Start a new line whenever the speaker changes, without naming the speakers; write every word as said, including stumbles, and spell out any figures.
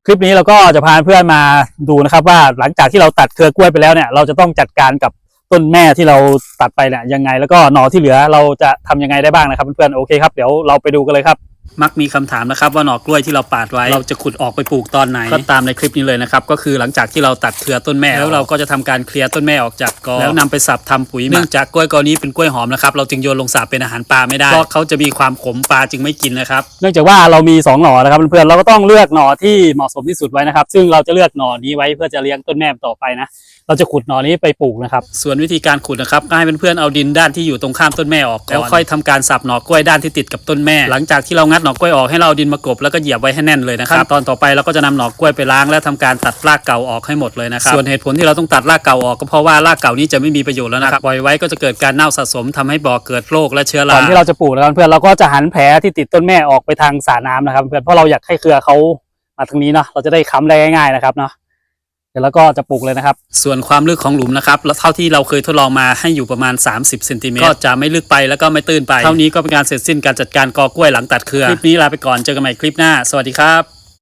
คลิปนี้เราก็จะพาเพื่อนมาดูนะครับว่าหลังจากที่เราตัดเครือกล้วยไปแล้วเนี่ยเราจะต้องจัดการกับต้นแม่ที่เราตัดไปเนี่ยยังไงแล้วก็หน่อที่เหลือเราจะทำยังไงได้บ้างนะครับเพื่อนๆโอเคครับเดี๋ยวเราไปดูกันเลยครับมักมีคำถามนะครับว่าหน่อกล้วยที่เราปาดไว้เราจะขุดออกไปปลูกตอนไหนก็ตามในคลิปนี้เลยนะครับก็คือหลังจากที่เราตัดเครือต้นแม่แล้วเราก็จะทำการเคลียร์ต้นแม่ออกจากกอแล้วนำไปสับทำปุ๋ยเนื่องจากกล้วยกอนี้เป็นกล้วยหอมนะครับเราจึงโยนลงสระเป็นอาหารปลาไม่ได้เพราะเขาจะมีความขมปลาจึงไม่กินนะครับเนื่องจากว่าเรามีสองหน่อนะครับเพื่อนๆเราก็ต้องเลือกหน่อที่เหมาะสมที่สุดไว้นะครับซึ่งเราจะเลือกหน่อนี้ไว้เพื่อจะเลี้ยงต้นแม่ต่อไปนะเราจะขุดหน่อนี้ไปปลูกนะครับส่วนวิธีการขุดนะครับก็ให้เพื่อนๆเอาดินด้านที่อยู่ตรงข้ามต้นแม่ออกแล้วค่อยทำการสับหน่อกล้วยด้านที่ติดกับต้นแม่หลังจากที่เรางัดหน่อกล้วยออกให้เราดินมากบแล้วก็เหยียบไว้ให้แน่นเลยนะครับตอนต่อไปเราก็จะนำหน่อกล้วยไปล้างและทำการตัดรากเก่าออกให้หมดเลยนะครับส่วนเหตุผลที่เราต้องตัดรากเก่าออกก็เพราะว่ารากเก่านี้จะไม่มีประโยชน์แล้วนะครับปล่อยไว้ก็จะเกิดการเน่าสะสมทำให้บ่อเกิดโรคและเชื้อราก่อนที่เราจะปลูกแล้วเพื่อนเราก็จะหันแผลที่ติดต้นแม่ออกไปทางสระน้ำนะครับเพื่อนเพราะเราอยากให้เครือเขามาทางนี้เนาะเราจะได้ค้ำได้ง่ายๆนะครับเนาะเดี๋ยวเราก็จะปลูกเลยนะครับส่วนความลึกของหลุมนะครับเท่าที่เราเคยทดลองมาให้อยู่ประมาณสามสิบเซนติเมตรก็จะไม่ลึกไปแล้วก็ไม่ตื้นไปเท่านี้ก็เป็นการเสร็จสิ้นการจัดการกอกล้วยหลังตัดเครือคลิปนี้ลาไปก่อนเจอกันใหม่คลิปหน้าสวัสดีครับ